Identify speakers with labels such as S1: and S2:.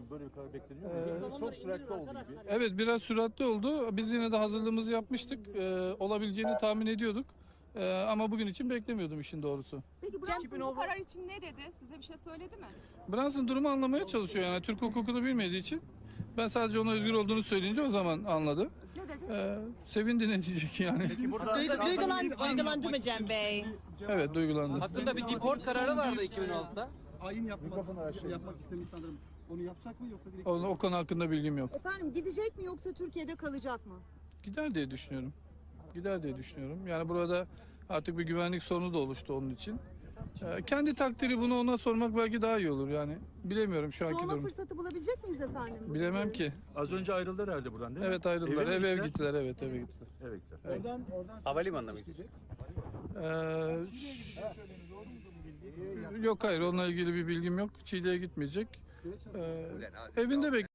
S1: böyle bir karar bekleniyor mu? Çok süratli oldu gibi.
S2: Evet, biraz süratli oldu. Biz yine de hazırlığımızı yapmıştık. Olabileceğini tahmin ediyorduk. Ama bugün için beklemiyordum işin doğrusu.
S3: Peki Brunson bu karar için ne dedi? Size bir şey söyledi mi?
S2: Brunson durumu anlamaya çalışıyor, yani Türk hukukunu bilmediği için. Ben sadece ona özgür olduğunu söyleyince o zaman anladı.
S3: Ne dedi?
S2: Sevindi, ne diyecek yani.
S4: Duygulandı mı Cem Bey?
S2: Evet, duygulandı.
S5: Hakkında bir deport kararı vardı 2016'da.
S6: Ayin yapmak istemiş sanırım. Onu yapacak mı yoksa direkt...
S2: O konu hakkında bilgim yok.
S4: Efendim gidecek mi yoksa Türkiye'de kalacak mı?
S2: Gider diye düşünüyorum. Gider diye düşünüyorum. Yani burada artık bir güvenlik sorunu da oluştu onun için. Kendi takdiri, bunu ona sormak belki daha iyi olur yani. Bilemiyorum şu anki
S4: Sorma
S2: durum.
S4: fırsatı bulabilecek miyiz efendim?
S2: Bilemem ki.
S1: Az önce ayrıldılar herhalde buradan değil mi?
S2: Evet, ayrıldılar.
S1: Eve mi
S2: Ev
S1: gittiler?
S2: gittiler. Evet, eve gittiler.
S1: Eve gittiler.
S6: Oradan
S5: Havalimanına mı gidecek?
S2: Yok, hayır, onunla ilgili bir bilgim yok. Çiğli'ye gitmeyecek. Evinde